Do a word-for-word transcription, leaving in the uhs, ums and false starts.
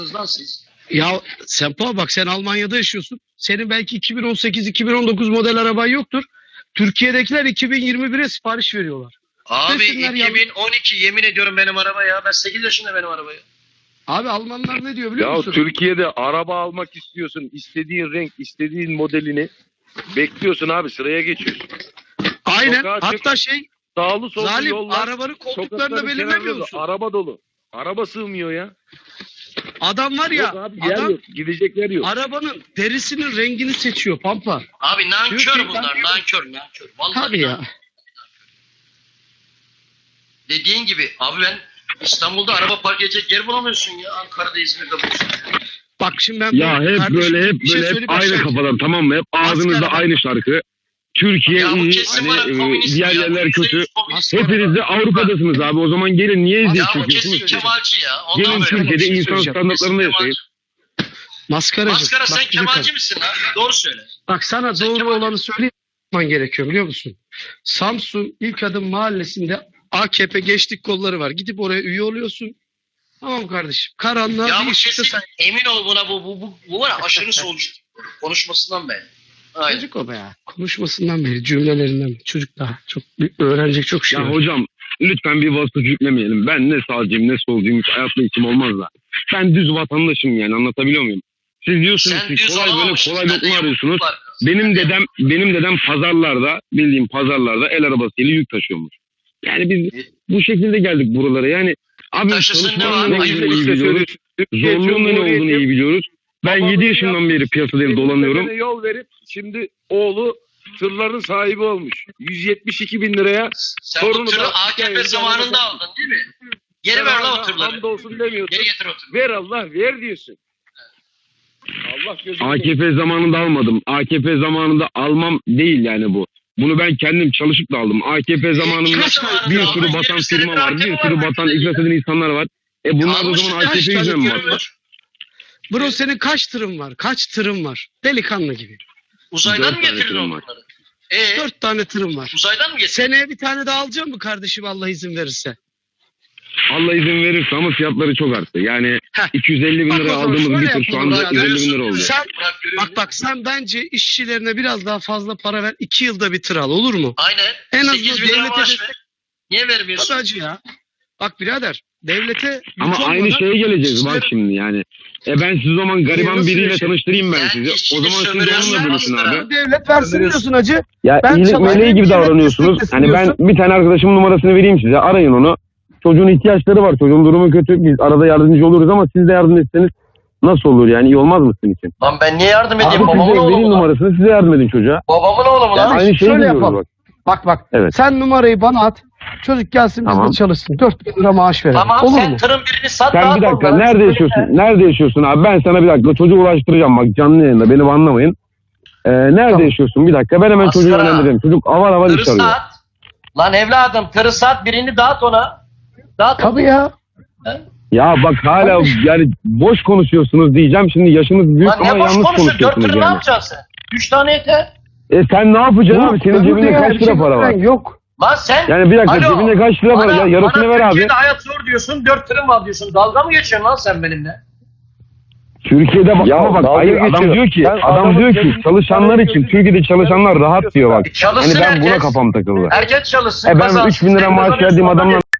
lan siz? Ya Sempa bak, sen Almanya'da yaşıyorsun. Senin belki iki bin on sekiz iki bin on dokuz model araban yoktur. Türkiye'dekiler iki bin yirmi bire sipariş veriyorlar. Abi Desinler ya. iki bin on iki yemin ediyorum benim araba ya. Ben sekiz yaşında benim araba ya. Abi Almanlar ne diyor biliyor Ya musun? Türkiye'de araba almak istiyorsun. İstediğin renk, istediğin modelini bekliyorsun abi, sıraya geçiyorsun. Aynen. Sokağa çık. Hatta şey Sağlı sollu zalim, yollar. arabanın koltuklarını sokakların belirlemiyor kenarında musun? Araba dolu. Araba sığmıyor ya. Adam var ya, Yok abi, yer adam yok. Gidecekler yok. arabanın derisinin rengini seçiyor Pampa. Abi nankör Türkiye- bunlar. Nankör nankör. Vallahi Tabii ya. nankör. Dediğin gibi abi ben İstanbul'da araba park edecek yer bulamıyorsun ya. Ankara'da, İzmir'de bulursun. Bak şimdi ben Ya hep kardeşim böyle hep bir şey böyle hep söyleyeyim, aynı aşağı- kafadan, tamam mı? Hep ağzınızda Maskara. aynı şarkı. Türkiye Ya bu iyi, kesin hani bana e, komünist diğer ya. yerler Yüzde kötü. yüz komünist. Maskara. Hepiniz de Avrupa'dasınız abi. O zaman gelin, niye eziyet Ya bu çekiyorsunuz kesin ki? Kemalci ya. Ondan Gelin böyle. Türkiye'de bir şey insan söyleyeceğim. standartlarında yaşayın. Maskaracı. Maskara Bak, sen güzel Kemalci kadın. misin lan? Doğru söyle. Bak sana Sen doğru Kemalci olanı misin? söylemen gerekiyor biliyor musun? Samsun İlk Adım Mahallesi'nde A K P Gençlik Kolları var. Gidip oraya üye oluyorsun. Tamam kardeşim. Karanlığa Ya bir bu ışıkta kesin sen... emin ol buna bu bu bu, bu var ya aşırı solcu konuşmasından be. Aynen. Çocuk o be ya. Konuşmasından beri, cümlelerinden çocuk daha çok öğrenecek çok şey Ya var. hocam lütfen bir vasıf yüklemeyelim. Ben ne sağcıyım ne solcuyum, hiç hayatta içim olmaz da. Ben düz vatandaşım, yani anlatabiliyor muyum? Siz diyorsunuz Sen ki düz kolay böyle olamamışsın. kolay Sende lokma yokluk arıyorsunuz. var. Benim Sende dedem benim dedem pazarlarda, bildiğim pazarlarda el arabasıyla yük taşıyormuş. Yani biz bu şekilde geldik buralara. Yani abi Taşısın, ne çalışmanın var? ne Ayıp olduğunu iyi işte biliyoruz. Türkiye Zorluğun ne Cumhuriyeti olduğunu iyi biliyoruz. Ben babanın yedi yaşından beri piyasadayım, dolanıyorum. Dedene yol verip şimdi oğlu tırların sahibi olmuş. yüz yetmiş iki bin liraya Sen bu Sorunu tırı da- A K P Yani zamanında yani- aldın değil mi? Geri ver lan o tırları. Hamdolsun demiyorsun. Geri getir o tırları. Ver Allah ver diyorsun. Allah gözünü A K P zamanında almadım. A K P zamanında almam değil yani bu. Bunu ben kendim çalışıp da aldım. A K P zamanında kaç zamanında bir aldın? sürü batan yirmi firma senedir var. A K P Bir sürü var. batan, iflas eden insanlar var. E bunlar da o Almışsın, zaman A K P kaç tane yüzünden mi firma var? var? Bro senin kaç tırın var? Kaç tırın var? Delikanlı gibi. Uzaydan Dört mı tane getirdin tırım var. onları? Ee, Dört tane tırın var. uzaydan mı getirdin? Seneye bir tane daha alacağım mı kardeşim Allah izin verirse? Allah izin verirse, ama fiyatları çok arttı. Yani Heh. iki yüz elli bin Bak o liraya zaman aldığımız şöyle bir tır şu yapalım anda ya, yüz elli bin lira oldu. Sen, Bırak, görüyor bak bak sen bence işçilerine biraz daha fazla para ver. iki yılda bir tır al, olur mu? Aynen. En azından sekiz bin lira devlete maaş destek- ver. Niye vermiyorsun? Tabii acı ya. Bak birader devlete Ama yük aynı olmadan şeye geleceğiz bak işçilerin- şimdi yani. E ben siz o zaman gariban Nasıl biriyle yaşayın? tanıştırayım ben Sen sizi. O işçini zaman siz de sömürüyorsun onunla bölüşün aslında. abi. devlet versin diyorsun acı. Ya Ben iyilik sana- meleği gibi Devlet davranıyorsunuz. desteklesin Hani ben diyorsun. bir tane arkadaşımın numarasını vereyim size. Arayın onu. Çocuğun ihtiyaçları var. Çocuğun durumu kötü. Biz arada yardımcı oluruz ama siz de yardım etseniz nasıl olur yani? İyi olmaz mı sizin için? Lan ben niye yardım Abi edeyim? size Babamın oğlu vereyim mu lan? numarasını, size yardım edin çocuğa. Babamın oğlu mu lan? Yani Aynı şeyi şöyle diyoruz yapalım. bak. Bak bak. Evet. Sen numarayı bana at. Çocuk gelsin Tamam. bizde çalışsın. dört bin lira maaş verelim. Tamam olur sen mu? tırın birini sat. Sen dağıt bir dakika, onlara. nerede yaşıyorsun? Nerede yaşıyorsun abi? Ben sana bir dakika çocuğu ulaştıracağım bak, canlı yayında, beni anlamayın. Ee, nerede Tamam. yaşıyorsun? Bir dakika, ben hemen çocuğu Maskara. yönlendireyim. Çocuk avar avar Tırı iş arıyor. sat. Lan evladım tırı sat birini dağıt ona. Dağıt. Tabii ya. He? Ya bak hala Abi. yani boş konuşuyorsunuz diyeceğim. Şimdi yaşınız büyük Lan ama ne boş yanlış konuşuyorsun? Dört konuşuyorsunuz tırı ne yani. yapacaksın sen? Üç tane yeter. E sen ne yapacaksın abi? Senin Yok, cebinde öbür kaç dünya lira bir para şey var? Yok. Lan sen. Yani bir dakika, Alo, cebinde kaç lira var bana- ya? Yarısını bana ver abi. Türkiye'de hayat zor diyorsun. Dört tırım var diyorsun. Dalga mı geçiyorsun lan sen benimle? Türkiye'de bak Ya ama bak dalga hayır, adam geçiyor. diyor ki Ben adam adamın diyor ki cebinde çalışanlar parayı için gözünü- Türkiye'de çalışanlar rahat diyor bak. Çalışsın Hani ben buna herkes. kafam takıldı. Herkes çalışsın. E ben kazansın. üç bin lira Sen maaş kazanıyorsun, verdiğim onlar adamla